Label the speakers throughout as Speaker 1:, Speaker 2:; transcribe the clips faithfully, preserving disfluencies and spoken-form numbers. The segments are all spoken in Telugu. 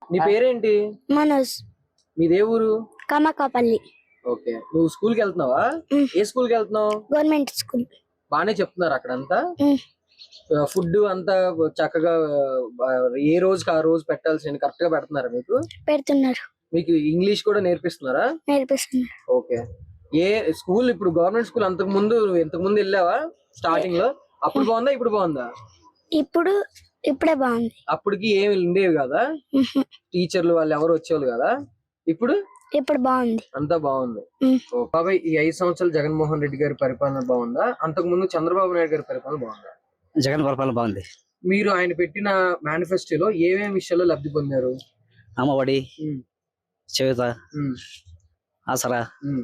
Speaker 1: నీ పేరేంటి?
Speaker 2: మనోజ్.
Speaker 1: మీదే ఊరు?
Speaker 2: కమకాపల్లి.
Speaker 1: ఓకే, నువ్వు స్కూల్ కి వెళ్తున్నావా? ఏ స్కూల్ కి వెళ్తున్నావు?
Speaker 2: Government school.
Speaker 1: బానే చెప్తున్నారు అక్కడంతా? ఫుడ్ అంతా చక్కగా ఏ రోజుకి ఆ రోజు పెట్టాల్సిన కరెక్ట్ గా పెడుతున్నారా మీకు?
Speaker 2: పెడుతున్నారు.
Speaker 1: మీకు ఇంగ్లీష్ కూడా నేర్పిస్తున్నారా?
Speaker 2: నేర్పిస్తున్నారు.
Speaker 1: ఓకే. ఏ స్కూల్ ఇప్పుడు గవర్నమెంట్ స్కూల్ అంతకు ముందు ఇంతకు ముందు వెళ్ళావా స్టార్టింగ్ లో? అప్పుడు బాగుందా ఇప్పుడు బాగుందా?
Speaker 2: ఇప్పుడు ఇప్పుడే బాగుంది.
Speaker 1: అప్పటికి ఏమి ఉండేవి కదా, టీచర్లు వాళ్ళు ఎవరు వచ్చేవాళ్ళు కదా. ఇప్పుడు
Speaker 2: ఇప్పుడు బాగుంది,
Speaker 1: అంతా బాగుంది. బాబాయ్, ఈ ఐదు సంవత్సరాలు జగన్మోహన్ రెడ్డి గారి పరిపాలన బాగుందా, అంతకు ముందు చంద్రబాబు నాయుడు గారి పరిపాలన బాగుందా?
Speaker 3: జగన్ పరిపాలన బాగుంది.
Speaker 1: మీరు ఆయన పెట్టిన మేనిఫెస్టోలో ఏమేమి విషయాల్లో లబ్ధి పొందారు?
Speaker 3: అమ్మఒడి, చేయూత, ఆసరా,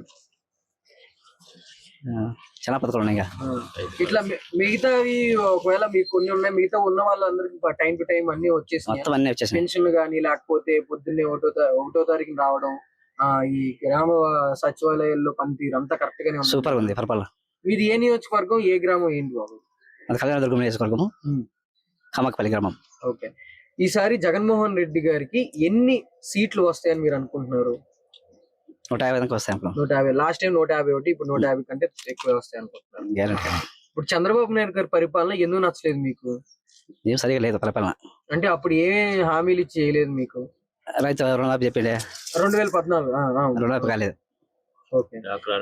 Speaker 3: చాలా పథకాలు ఉన్నాయి.
Speaker 1: ఇట్లా మిగతావి ఒకవేళ మీకు కొన్ని ఉన్నాయి, మిగతా ఉన్న వాళ్ళందరికి టైం టు టైం అన్ని వచ్చేసి
Speaker 3: మొత్తం అన్ని వచ్చేసి
Speaker 1: పెన్షన్లు కానీ, లేకపోతే పొద్దున్నే ఒకటో ఒకటో తారీఖున రావడం, ఆ ఈ గ్రామ సచివాలయాల్లో పనితీరు అంతా కరెక్ట్ గానే ఉంది.
Speaker 3: సూపర్ ఉంది పరిపాలన.
Speaker 1: మీది ఏ నియోజకవర్గం, ఏ గ్రామం ఏంటి బాబు?
Speaker 3: అది కళ్యాణదుర్గం నియోజకవర్గము, కమకపల్లి గ్రామం.
Speaker 1: ఓకే. ఈసారి జగన్మోహన్ రెడ్డి గారికి ఎన్ని సీట్లు వస్తాయని మీరు అనుకుంటున్నారు?
Speaker 3: నూట యాభై దాకా వస్తాయి అనుకుంటున్నాను.
Speaker 1: నూట యాభై లాస్ట్ టైం నూట యాభై ఒకటి, ఇప్పుడు నూట యాభై కంటే ఎక్కువ వస్తాయి అనుకుంటున్నారు.
Speaker 3: గ్యారెంటీ.
Speaker 1: ఇప్పుడు చంద్రబాబు నాయుడు గారి పరిపాలన ఎందుకు నచ్చలేదు మీకు?
Speaker 3: ఏం సరిగా లేదు పరిపాలన. అంటే
Speaker 1: అప్పుడు ఏ హామీలు ఇచ్చి చేయలేదు మీకు?
Speaker 3: రైతు రుణమాఫీ చెప్పిండే
Speaker 1: రెండు వేల పద్నాలుగు
Speaker 3: రుణమాఫీ కాలేదు.
Speaker 1: ఓకే.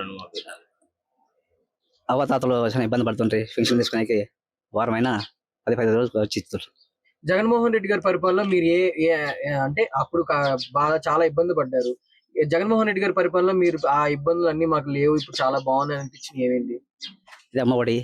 Speaker 3: అవతాతలు చాలా ఇబ్బంది పడుతుంటే పెన్షన్ తీసుకునే వారం అయినా పది పది రోజులు వచ్చి ఇస్తారు.
Speaker 1: జగన్మోహన్ రెడ్డి గారి పరిపాలన మీరు ఏ అంటే అప్పుడు బాగా చాలా ఇబ్బంది పడ్డారు. జగన్మోహన్ రెడ్డి గారి పరిపాలన మీరు ఆ ఇబ్బందులు అన్ని మాకు లేవు, ఇప్పుడు చాలా బాగున్నాయి అనిపించింది ఏమేంటి?
Speaker 3: ఇది అమ్మఒడి,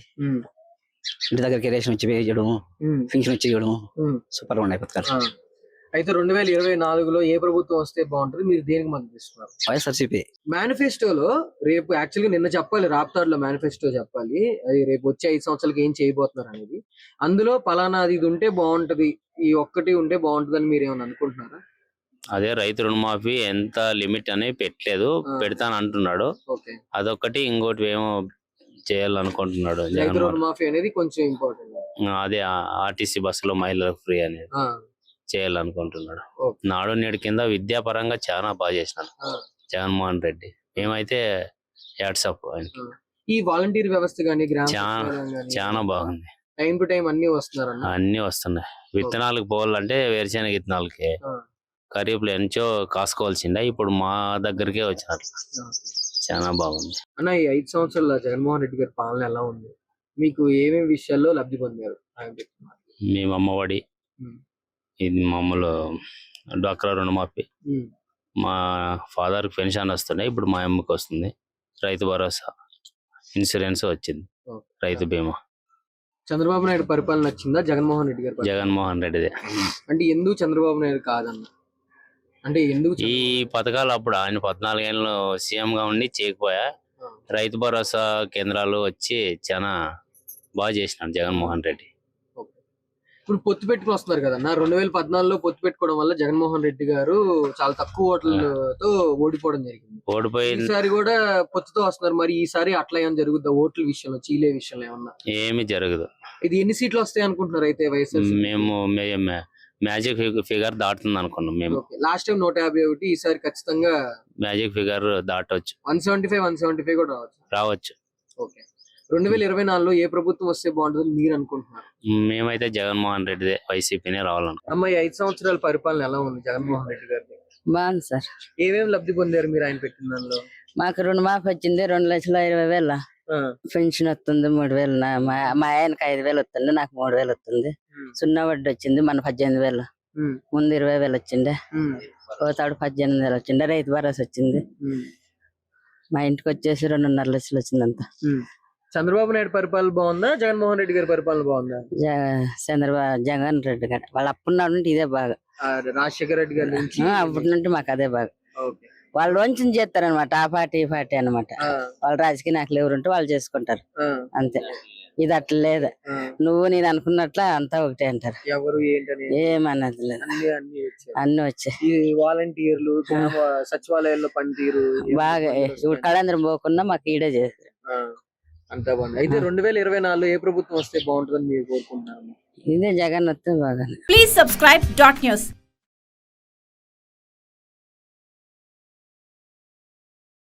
Speaker 3: ఇంటి దగ్గరికి రేషన్ వచ్చి వేయడం, పెన్షన్ వచ్చి ఇవ్వడం, సూపర్ గా ఉన్నాయి పథకాలు.
Speaker 1: అయితే రెండు వేల ఇరవై నాలుగులో ఏ ప్రభుత్వం వస్తే బాగుంటుంది, మీరు దేనికి మద్దతు ఇస్తున్నారు?
Speaker 3: వైఎస్ఆర్సీపీ.
Speaker 1: మేనిఫెస్టోలో రేపు యాక్చువల్గా నిన్న చెప్పాలి, రాప్తాడులో మేనిఫెస్టో చెప్పాలి, అది రేపు వచ్చే ఐదు సంవత్సరాలకి ఏం చేయబోతున్నారు అనేది. అందులో పలానా అది ఉంటే బాగుంటది, ఈ ఒక్కటి ఉంటే బాగుంటది అని మీరు ఏమైనా అనుకుంటున్నారా?
Speaker 4: అదే రైతు రుణమాఫీ ఎంత లిమిట్ అని పెట్టలేదు, పెడతాను అంటున్నాడు. అదొక్కటి, ఇంకోటి ఏమో చేయాలనుకుంటున్నాడు.
Speaker 1: రైతు రుణమాఫీ అనేది కొంచెం ఇంపార్టెంట్.
Speaker 4: అదే ఆర్టీసీ బస్సులో మహిళలకు ఫ్రీ అనేది చేయాలనుకుంటున్నాడు. నాడు నేడు కింద విద్యాపరంగా చాలా బాగా చేసినాడు జగన్మోహన్ రెడ్డి. మేమైతే యాడ్సప్ ఆయనకి.
Speaker 1: ఈ వాలంటీర్ వ్యవస్థ గానీ
Speaker 4: చాలా బాగుంది.
Speaker 1: టైం టు టైం అన్ని వస్తున్నారు,
Speaker 4: అన్ని వస్తున్నాయి. విత్తనాలకు పోవాలంటే వేరుశెనగ విత్తనాలకి ఖరీఫ్లో ఎంచో కాసుకోవాల్సిందే, ఇప్పుడు మా దగ్గరికే వచ్చినారు. చాలా బాగుంది
Speaker 1: అన్న. ఈ ఐదు సంవత్సరాల జగన్మోహన్ రెడ్డి గారి పాలన ఎలా ఉంది? మీకు ఏమేమి విషయాల్లో లబ్ధి పొందారు?
Speaker 4: మేము అమ్మఒడి, ఇది మామూలు డ్వాక్రా రుణమాఫీ, మా ఫాదర్ కి పెన్షన్ వస్తున్నాయి, ఇప్పుడు మా అమ్మకి వస్తుంది. రైతు భరోసా, ఇన్సూరెన్స్ వచ్చింది, రైతు బీమా.
Speaker 1: చంద్రబాబు నాయుడు పరిపాలన నచ్చిందా జగన్మోహన్ రెడ్డి గారు?
Speaker 4: జగన్మోహన్ రెడ్డిదే.
Speaker 1: అంటే ఎందుకు చంద్రబాబు నాయుడు కాదన్న? అంటే ఎందుకు
Speaker 4: ఈ పథకాలు అప్పుడు ఆయన పద్నాలుగేళ్ళు సీఎం గా ఉండి చేయకపోయా, రైతు భరోసా కేంద్రాలు వచ్చి చాలా బాగా చేసినాడు జగన్మోహన్ రెడ్డి.
Speaker 1: ఇప్పుడు పొత్తు పెట్టుకుని వస్తున్నారు కదన్నా, రెండు వేల పద్నాలుగులో పొత్తు పెట్టుకోవడం వల్ల జగన్మోహన్ రెడ్డి గారు చాలా తక్కువ ఓట్లతో ఓడిపోవడం జరిగింది.
Speaker 4: ఓడిపోయింది.
Speaker 1: ఈసారి కూడా పొత్తుతో వస్తున్నారు, మరి ఈసారి అట్లా ఏమైనా జరుగుద్దా? ఓట్ల విషయంలో, చీలే విషయంలో ఏమన్నా?
Speaker 4: ఏమి జరగదు.
Speaker 1: ఇది ఎన్ని సీట్లు వస్తాయి అనుకుంటున్నారు అయితే వైఎస్ఆర్?
Speaker 4: మేము మ్యాజిక్ ఫిగర్ దాటుతుంది అనుకున్నాం మేము.
Speaker 1: లాస్ట్ టైం నూట యాభై ఒకటి, ఈసారి ఖచ్చితంగా
Speaker 4: మ్యాజిక్ ఫిగర్ దాటవచ్చు.
Speaker 1: One seventy five one seventy five కూడా రావచ్చు
Speaker 4: రావచ్చు
Speaker 1: ఓకే. రెండు వేల ఇరవై నాలుగులో ఏ ప్రభుత్వం వస్తే బాగుంటుంది మీరు అనుకుంటున్నారు?
Speaker 4: మేమైతే జగన్మోహన్ రెడ్డి వైసీపీనే రావాలనుకుంటున్నాం.
Speaker 1: అమ్మాయి ఐదు సంవత్సరాల పరిపాలన ఎలా ఉంది జగన్మోహన్ రెడ్డి గారి?
Speaker 5: బాగుంది సార్.
Speaker 1: ఏమేమి లబ్ధి పొందారు మీరు ఆయన పెట్టిన దానిలో?
Speaker 5: మాకు రుణమాఫీ వచ్చింది, రెండు లక్షల ఇరవై వేల పెన్షన్ వస్తుంది, మూడు వేలు మా ఆయనకి ఐదు వేలు వస్తుంది, నాకు మూడు వేలు వస్తుంది. సున్నా వడ్డీ వచ్చింది, మన పద్దెనిమిది వేలు, ముందు ఇరవై వేలు వచ్చిండే, పోతాడు పద్దెనిమిది వేలు వచ్చిండే. రైతు భరోసా వచ్చింది, మా ఇంటికి వచ్చేసి రెండున్నర లక్షలు వచ్చిందంతా.
Speaker 1: చంద్రబాబు నాయుడు పరిపాలన బాగుందా జగన్మోహన్ రెడ్డి గారి పరిపాలన బాగుందా?
Speaker 5: చంద్రబాబు జగన్ రెడ్డి గారు వాళ్ళు అప్పుడున్నాడు నుండి ఇదే బాగా,
Speaker 1: రాజశేఖర రెడ్డి గారి నుంచి
Speaker 5: అప్పటి నుండి మాకు అదే బాగా. వాళ్ళు వంచన చేస్తారనమాట, ఆ పార్టీ ఈ పార్టీ అనమాట. వాళ్ళు రాజకీయ నాయకులు ఎవరు ఉంటే వాళ్ళు చేసుకుంటారు అంతే. ఇది అట్లా లేదు, నువ్వు నేను అనుకున్నట్ల అంతా ఒకటే అంటారు, ఏమన్నది లేదు, అన్ని వచ్చాయి.
Speaker 1: వాలంటీర్లు, సచివాలయాల్లో పనితీరు
Speaker 5: బాగా. ఇప్పుడు కళాంధ్రం పోకుండా మాకు ఈడే చేస్తారు,
Speaker 1: అంతా బాగుంది. అయితే రెండు వేల ఇరవై నాలుగులో ఏ ప్రభుత్వం వస్తే బాగుంటుందని మీరు కోరుకుంటున్నారు?
Speaker 5: ఇదే జగన్ వస్తే బాగా.
Speaker 6: Please subscribe dot news.